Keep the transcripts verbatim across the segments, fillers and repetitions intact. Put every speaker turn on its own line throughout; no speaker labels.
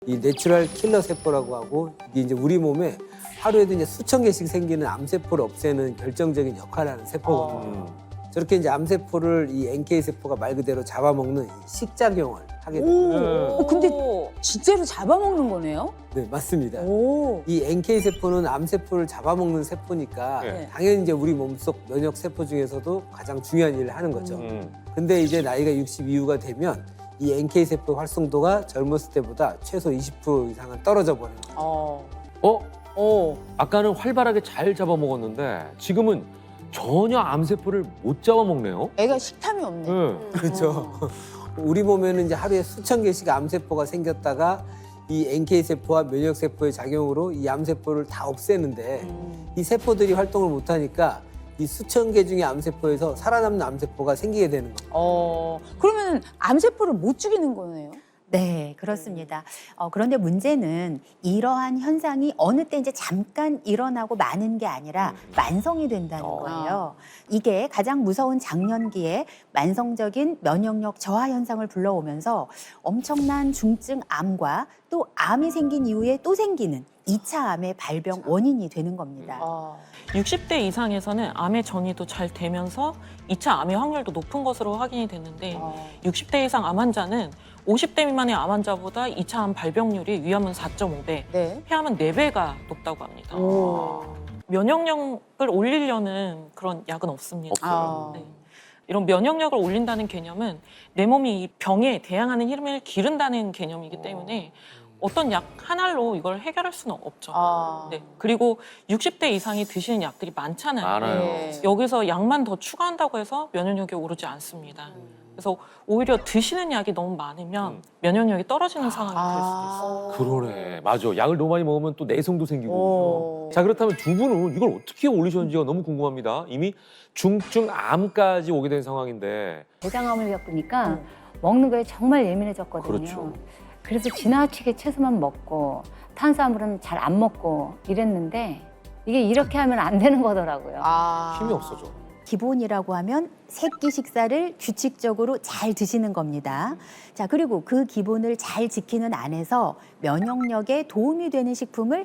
이 내추럴 킬러 세포라고 하고 이게 이제 우리 몸에 하루에도 이제 수천 개씩 생기는 암세포를 없애는 결정적인 역할을 하는 세포거든요.
음.
저렇게 이제 암세포를 이 엔케이 세포가 말 그대로 잡아먹는 이 식작용을 하게 됩니다.
오, 근데 진짜로 잡아먹는 거네요?
네, 맞습니다.
오.
이 엔케이 세포는 암세포를 잡아먹는 세포니까
네.
당연히 이제 우리 몸속 면역 세포 중에서도 가장 중요한 일을 하는 거죠.
음.
근데 이제 나이가 육십 이후가 되면 이 엔케이 세포 활성도가 젊었을 때보다 최소 이십 퍼센트 이상은 떨어져 버리는 거예요.
어.
어?
어.
아까는 활발하게 잘 잡아먹었는데 지금은 전혀 암세포를 못 잡아먹네요.
애가 식탐이 없네.
네.
그렇죠. 우리 몸에는 이제 하루에 수천 개씩 암세포가 생겼다가 이 엔케이 세포와 면역 세포의 작용으로 이 암세포를 다 없애는데
음.
이 세포들이 활동을 못 하니까 이 수천 개 중의 암세포에서 살아남는 암세포가 생기게 되는 거예요.
어. 그러면 암세포를 못 죽이는 거네요?
네, 그렇습니다. 어, 그런데 문제는 이러한 현상이 어느 때 이제 잠깐 일어나고 마는 게 아니라 만성이 된다는
어.
거예요. 이게 가장 무서운 장년기에 만성적인 면역력 저하 현상을 불러오면서 엄청난 중증 암과 또 암이 생긴 이후에 또 생기는 이 차 암의 발병 원인이 되는 겁니다.
아.
육십 대 이상에서는 암의 전이도 잘 되면서 이 차 암의 확률도 높은 것으로 확인이 됐는데
어.
육십 대 이상 암 환자는 오십 대 미만의 암 환자보다 이 차 암 발병률이 위암은 사 점 오 배,
네.
폐암은 네 배가 높다고 합니다.
오.
면역력을 올리려는 그런 약은 없습니다.
아.
네. 이런 면역력을 올린다는 개념은 내 몸이 이 병에 대항하는 힘을 기른다는 개념이기 때문에 어떤 약 하나로 이걸 해결할 수는 없죠.
아.
네. 그리고 육십 대 이상이 드시는 약들이 많잖아요.
많아요.
네.
여기서 약만 더 추가한다고 해서 면역력이 오르지 않습니다. 그래서 오히려 드시는 약이 너무 많으면
음.
면역력이 떨어지는 상황이 될
아.
수도 있어요.
그러네. 맞아. 약을 너무 많이 먹으면 또 내성도 생기고.
오.
자, 그렇다면 두 분은 이걸 어떻게 올리셨는지가 너무 궁금합니다. 이미 중증 암까지 오게 된 상황인데.
대장암을 겪으니까
음.
먹는 거에 정말 예민해졌거든요.
그렇죠.
그래서 지나치게 채소만 먹고 탄수화물은 잘 안 먹고 이랬는데 이게 이렇게 하면 안 되는 거더라고요.
아.
힘이 없어져.
기본이라고 하면 세끼 식사를 규칙적으로 잘 드시는 겁니다. 자, 그리고 그 기본을 잘 지키는 안에서 면역력에 도움이 되는 식품을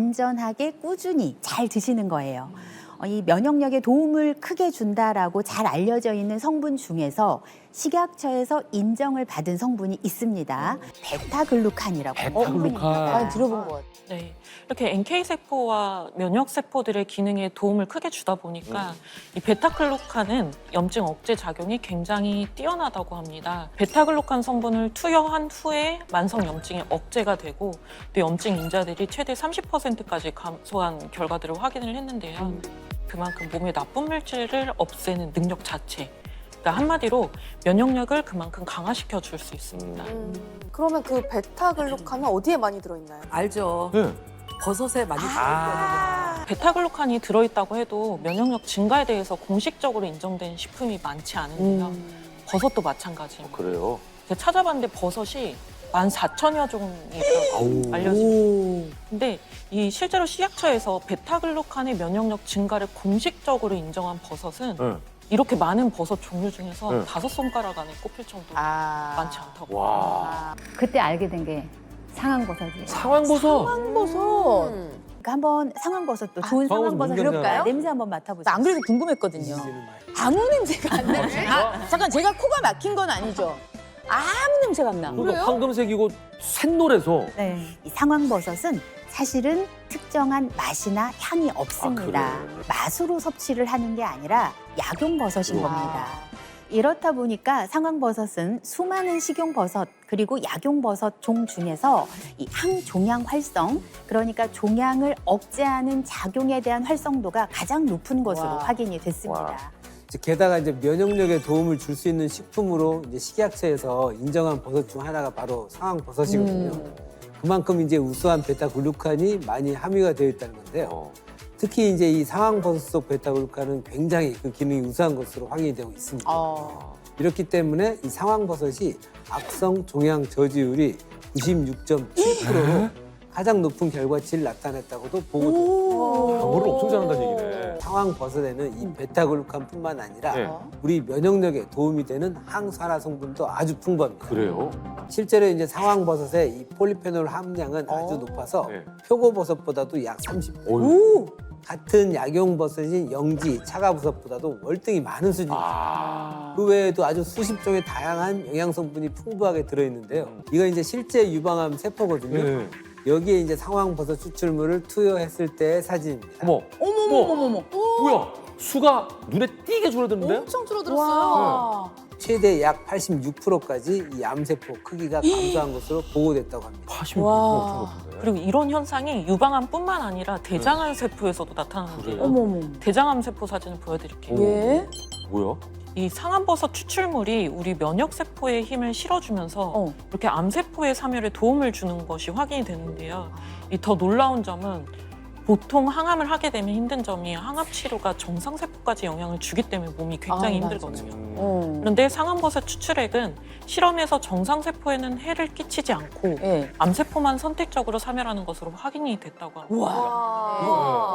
안전하게 꾸준히 잘 드시는 거예요. 어, 이 면역력에 도움을 크게 준다라고 잘 알려져 있는 성분 중에서 식약처에서 인정을 받은 성분이 있습니다. 베타글루칸이라고.
베타글루칸.
많이 들어본 것 같아요.
네. 이렇게 엔케이 세포와 면역 세포들의 기능에 도움을 크게 주다 보니까 이 베타글루칸은 염증 억제 작용이 굉장히 뛰어나다고 합니다. 베타글루칸 성분을 투여한 후에 만성 염증이 억제가 되고 또 염증 인자들이 최대 삼십 퍼센트까지 감소한 결과들을 확인을 했는데요. 그만큼 몸의 나쁜 물질을 없애는 능력 자체. 그러니까 한마디로 면역력을 그만큼 강화시켜 줄 수 있습니다.
음, 그러면 그 베타글루칸은 어디에 많이 들어있나요?
알죠.
네.
버섯에 많이 들어있거든요.
베타글루칸이 들어있다고 해도 면역력 증가에 대해서 공식적으로 인정된 식품이 많지 않은데요.
음.
버섯도 마찬가지입니다.
그래요?
제가 찾아봤는데 버섯이 만 사천여 종이
아우.
있다고 알려집니다. 근데 이 실제로 식약처에서 베타글루칸의 면역력 증가를 공식적으로 인정한 버섯은
네.
이렇게 많은 버섯 종류 중에서
네.
다섯 손가락 안에 꼽힐 정도로
아.
많지 않다고.
와.
그때 알게 된 게 상황버섯이에요.
상황버섯.
상황버섯.
음.
그러니까 한번 상황버섯도 좋은
상황버섯
상황버섯
냄새
그럴까요?
나요?
냄새 한번 맡아보세요.
나 안 그래도 궁금했거든요.
뒤지지는 마요.
아무 냄새가 안 나요. 아, 잠깐 제가 코가 막힌 건 아니죠? 아무 냄새가 안 나.
그러니까 황금색이고 샛노래서.
네. 이 상황버섯은 사실은 특정한 맛이나 향이 없습니다.
아, 그래요?
맛으로 섭취를 하는 게 아니라 약용버섯인
우와.
겁니다. 이렇다 보니까 상황버섯은 수많은 식용버섯 그리고 약용버섯 종 중에서 이 항종양 활성, 그러니까 종양을 억제하는 작용에 대한 활성도가 가장 높은 것으로
와.
확인이 됐습니다.
와.
이제 게다가 이제 면역력에 도움을 줄 수 있는 식품으로 이제 식약처에서 인정한 버섯 중 하나가 바로 상황버섯이거든요.
음.
그만큼 이제 우수한 베타글루칸이 많이 함유가 되어 있다는 건데요.
어.
특히 이제 이 상황버섯 속 베타글루칸은 굉장히 그 기능이 우수한 것으로 확인이 되고 있습니다.
어.
이렇기 때문에 이 상황버섯이 악성 종양 저지율이 구십육 점 칠 퍼센트로 가장 높은 결과치를 나타냈다고도 보고됩니다.
방어를 엄청 잘한다는 얘기네.
상황버섯에는 이 베타글루칸뿐만 아니라
네.
우리 면역력에 도움이 되는 항산화 성분도 아주 풍부합니다.
그래요?
실제로 이제 상황버섯의 이 폴리페놀 함량은 아주 높아서
네.
표고버섯보다도 약 삼십 배.
어휴.
같은 약용버섯인 영지, 차가버섯보다도 월등히 많은 수준입니다.
아.
그 외에도 아주 수십 종의 다양한 영양 성분이 풍부하게 들어있는데요. 이건 이제 실제 유방암 세포거든요.
네.
여기에 이제 상황버섯 추출물을 투여했을 때의 사진입니다.
어머.
어머머머머머.
뭐야? 수가 눈에 띄게 줄어드는데?
엄청 줄어들었어요.
최대 약 팔십육 퍼센트까지 이 암세포 크기가 감소한 것으로 보고됐다고 합니다.
팔십육
와.
엄청 높은데.
그리고 이런 현상이 유방암뿐만 아니라 대장암 세포에서도 나타나는데요.
어머머.
대장암 세포 사진을 보여드릴게요.
예.
뭐야?
이 상암버섯 추출물이 우리 면역 세포에 힘을 실어주면서
어.
이렇게 암세포의 사멸에 도움을 주는 것이 확인이 되는데요. 이 더 놀라운 점은 보통 항암을 하게 되면 힘든 점이 항암 치료가 정상 세포까지 영향을 주기 때문에 몸이 굉장히
아, 맞아.
힘들거든요.
음.
어.
그런데 상암버섯 추출액은 실험에서 정상 세포에는 해를 끼치지 않고
예.
암세포만 선택적으로 사멸하는 것으로 확인이 됐다고 합니다.
우와.
와.